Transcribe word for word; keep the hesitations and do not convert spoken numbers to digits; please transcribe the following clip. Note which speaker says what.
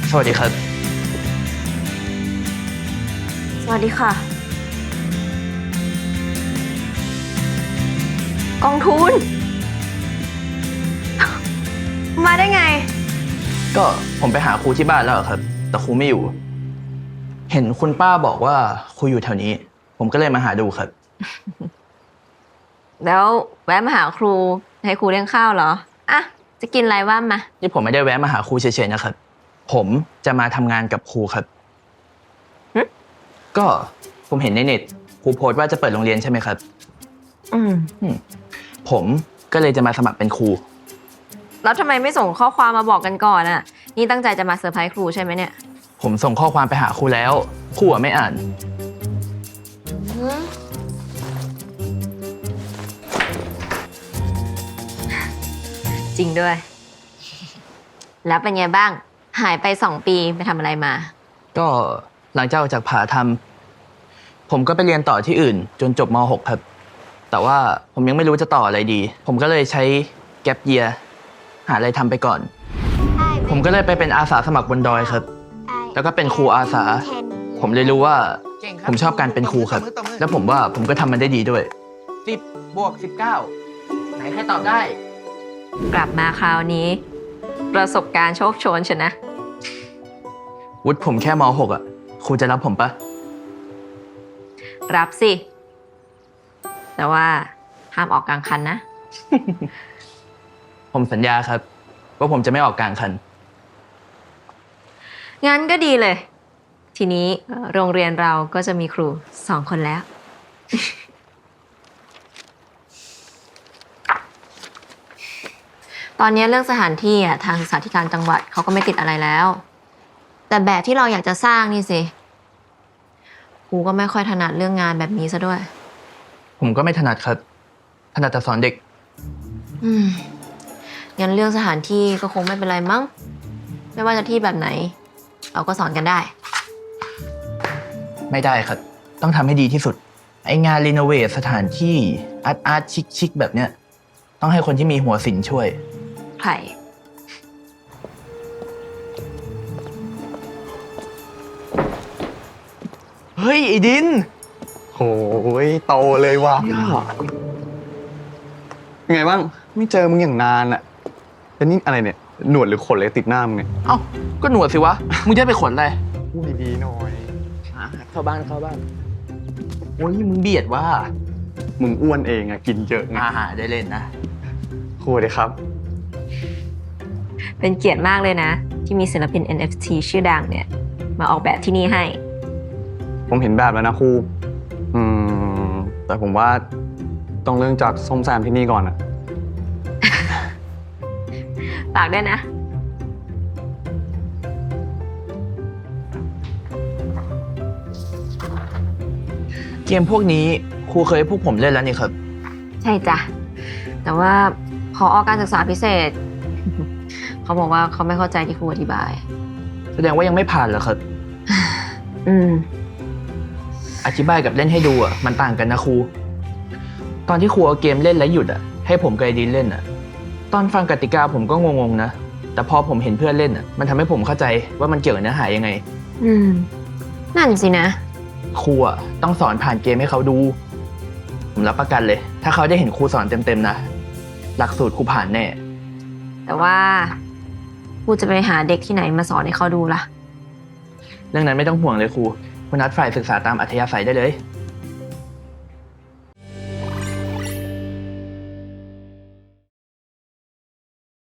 Speaker 1: สวัสดีครับ
Speaker 2: สวัสดีค่ะกองทุนมาได้ไง
Speaker 1: ก็ผมไปหาครูที่บ้านแล้วครับ แต่ครูไม่อยู่ เห็นคุณป้าบอกว่าครูอยู่แถวนี้ ผมก็เลยมาหาดูครับ
Speaker 2: แล้วแวะมาหาครูให้ครูเลี้ยงข้าวเหรออ่ะจะกินอะไรว่ามา
Speaker 1: นี่ผมไม่ได้แวะมาหาครูเฉยๆนะครับ ผมจะมาทำงานกับครูครับก็ผมเห็นในเน็ตครูโพสต์ว่าจะเปิดโรงเรียนใช่ไหมครับ
Speaker 2: อืม
Speaker 1: ผมก็เลยจะมาสมัครเป็นครู
Speaker 2: แล้วทำไมไม่ส่งข้อความมาบอกกันก่อนอ่ะนี่ตั้งใจจะมาเซอร์ไพรส์ครูใช่ไหมเนี่ย
Speaker 1: ผมส่งข้อความไปหาครูแล้วครูไม่อ่าน
Speaker 2: จริงด้วยแล้วเป็นไงบ้างหายไปสองปีไปทำอะไรมา
Speaker 1: ก็หลังจากออกจากผ่าทำผมก็ไปเรียนต่อที่อื่นจนจบม หก ครับแต่ว่าผมยังไม่รู้จะต่ออะไรดีผมก็เลยใช้แก็ปเยียร์หาอะไรทำไปก่อนผมก็เลยไปเป็นอาสาสมัครบนดอยครับแล้วก็เป็นครูอาสาผมเลยรู้ว่าผมชอบการเป็นครูครับแล้วผมว่าผมก็ทำมันได้ดีด้วยสิบบวกสิบเก้าไหนใครตอบได้
Speaker 2: กลับมาคราวนี้ประสบการณ์โชคโชนชนะ
Speaker 1: วุฒิผมแค่ม หก อ่ะครูจะรับผมปะ
Speaker 2: รับสิแต่ว่าห้ามออกกลางคันนะ
Speaker 1: ผมสัญญาครับว่าผมจะไม่ออกกลางคัน
Speaker 2: งั้นก็ดีเลยทีนี้โรงเรียนเราก็จะมีครูสองคนแล้ว ตอนนี้เรื่องสถานที่อ่ะทางศึกษาธิการจังหวัดเขาก็ไม่ติดอะไรแล้วแต่แบบที่เราอยากจะสร้างนี่สิครูก็ไม่ค่อยถนัดเรื่องงานแบบนี้ซะด้วย
Speaker 1: ผมก็ไม่ถนัดครับถนัดแต่สอนเด็ก
Speaker 2: อืมงั้นเรื่องสถานที่ก็คงไม่เป็นไรมั้งไม่ว่าจะที่แบบไหนเราก็สอนกันได้
Speaker 1: ไม่ได้ครับต้องทำให้ดีที่สุดไองานรีโนเวทสถานที่อาร์ตอาร์ตชิคชิคแบบเนี้ยต้องให้คนที่มีหัวศิลป์ช่วย
Speaker 2: ใคร
Speaker 1: เฮ้ยไอ้ดิน
Speaker 3: โหยโตเลยว่ะยังไงบ้างไม่เจอมึงอย่างนานอะแล้วนี่อะไรเนี่ยหนวดหรือขนอะไรติดหน้ามึงเนี่ย
Speaker 1: เอ้าก็หนวดสิวะมึงจะไปขนอะไร
Speaker 3: พูดดีๆหน่อย
Speaker 1: เข้าบ้านเข้าบ้านโอ้ยมึงเบียดว่า
Speaker 3: มึงอ้วนเองอะกินเยอะไง
Speaker 1: อาหารได้เล่นนะ
Speaker 3: ครูเลยครับ
Speaker 2: เป็นเกียรติมากเลยนะที่มีศิลปิน เอ็น เอฟ ที ชื่อดังเนี่ยมาออกแบบที่นี่ให้
Speaker 3: ผมเห็นแบบแล้วนะครูอืมแต่ผมว่าต้องเริ่มจากส้มแซมที่นี่ก่อนอะ
Speaker 2: ฝากด้วยนะ
Speaker 1: เกมพวกนี้ครูเคยให้พวกผมเล่นแล้วนี่ครับ
Speaker 2: ใช่จ้ะแต่ว่าพออการศึกษาพิเศษ เขาบอกว่าเขาไม่เข้าใจที่ครูอธิบาย
Speaker 1: แสดงว่ายังไม่ผ่านเหรอครับ
Speaker 2: อืม
Speaker 1: อธิบายกับเล่นให้ดูอ่ะมันต่างกันนะครูตอนที่ครูเอาเกมเล่นแล้วหยุดอ่ะให้ผมกับไอดินเล่นอ่ะตอนฟังกติกาผมก็งงๆนะแต่พอผมเห็นเพื่อนเล่นอ่ะมันทำให้ผมเข้าใจว่ามันเกี่ยวกับเนื้อหายังไง
Speaker 2: อืมนั่นสินะ
Speaker 1: ครูอ่ะต้องสอนผ่านเกมให้เขาดูผมรับประกันเลยถ้าเขาได้เห็นครูสอนเต็มๆนะหลักสูตรครูผ่านแน่
Speaker 2: แต่ว่าครูจะไปหาเด็กที่ไหนมาสอนให้เขาดูล่ะ
Speaker 1: เรื่องนั้นไม่ต้องห่วงเลยครูคุณนัดฝ่ายศึกษาตามอัธยาศัยได้เลย